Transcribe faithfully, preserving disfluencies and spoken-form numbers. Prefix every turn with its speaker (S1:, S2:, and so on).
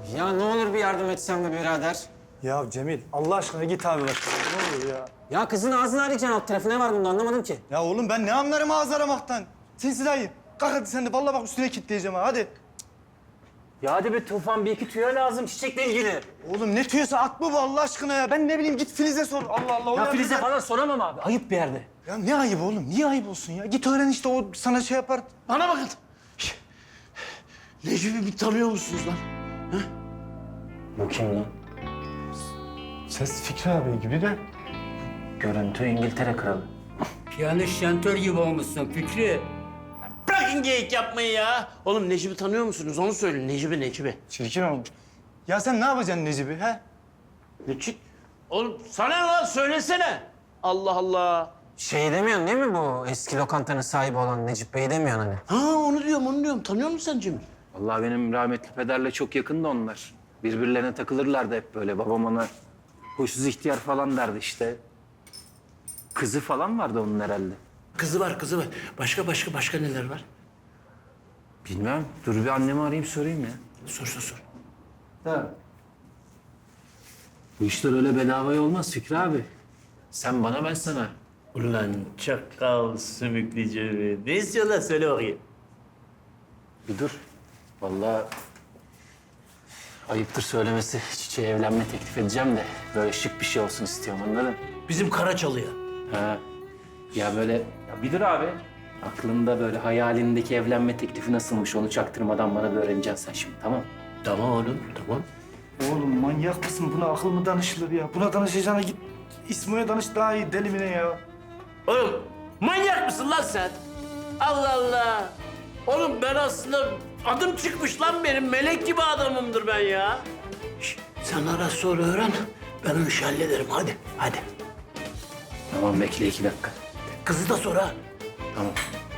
S1: Ya ne olur bir yardım etsen be birader.
S2: Ya Cemil Allah aşkına git abi bak. Ne olur ya.
S1: Ya kızın ağzını arayacaksın alt tarafı. Ne var bunda anlamadım ki.
S2: Ya oğlum ben ne anlarım ağız aramaktan. Sinsi dayı. Kalk hadi sen de vallahi bak üstüne kilitleyeceğim ha hadi.
S1: Ya hadi be Tufan bir iki tüyo lazım çiçekle ilgili.
S2: Oğlum ne tüyosa at mı bu Allah aşkına ya? Ben ne bileyim git Filiz'e sor. Allah Allah. o
S1: Ya
S2: yardım
S1: Filiz'e
S2: eder.
S1: falan soramam abi. Ayıp bir yerde.
S2: Ya ne ayıp oğlum? Niye ayıp olsun ya? Git öğren işte o sana şey yapar.
S3: Bana bakın. Necip'i bir tanıyor musunuz lan?
S1: Bu kim lan?
S2: Ses Fikri abi gibi de.
S1: Görüntü İngiltere kralı.
S4: Piyanist şantör gibi olmuşsun Fikri.
S3: Bırakın geyik yapmayı ya. Oğlum Necip'i tanıyor musunuz? Onu söyleyin. Necip'i, Necip'i.
S2: Çirkin olmuş. Ya sen ne yapacaksın Necip'i he?
S3: Necip? Oğlum sana ne lan? Söylesene. Allah Allah.
S1: Şey demiyorsun değil mi bu eski lokantanın sahibi olan Necip Bey demiyorsun hani?
S3: Ha onu diyorum, onu diyorum. Tanıyor musun sen Cemil?
S5: Vallahi benim rahmetli pederle çok yakındı onlar. Birbirlerine takılırlardı hep böyle. Babam ona huysuz ihtiyar falan derdi işte. Kızı falan vardı onun herhalde.
S3: Kızı var, kızı var. Başka başka başka neler var?
S5: Bilmem. Dur bir annemi arayayım sorayım ya.
S3: Sor sor sor.
S5: Da. Bu işler öyle bedavaya olmaz Fikri abi. Sen bana ben sana.
S3: Ulan çakal sümüklü Cemil. Ne istiyorlar söyle bakayım.
S5: Bir dur. Vallahi ayıptır söylemesi. Çiçeğe evlenme teklif edeceğim de böyle şık bir şey olsun istiyorum anladın?
S3: Bizim Karaçalı'ya.
S5: Ha. Ya böyle ya bir dur abi. Aklında böyle hayalindeki evlenme teklifi nasılmış onu çaktırmadan bana bir öğreneceksin sen şimdi tamam?
S3: Tamam oğlum, tamam.
S2: Oğlum manyak mısın? Buna akıl mı danışılır ya? Buna danışacağına git İsmo'ya danış daha iyi deli mi ne ya?
S3: Oğlum manyak mısın lan sen? Allah Allah. Oğlum ben aslında adım çıkmış lan benim. Melek gibi adamımdır ben ya. Şişt, sen ara sonra öğren. Ben o işi hallederim. Hadi, hadi.
S5: Tamam bekle iki dakika.
S3: Kızı da sonra.
S5: Tamam.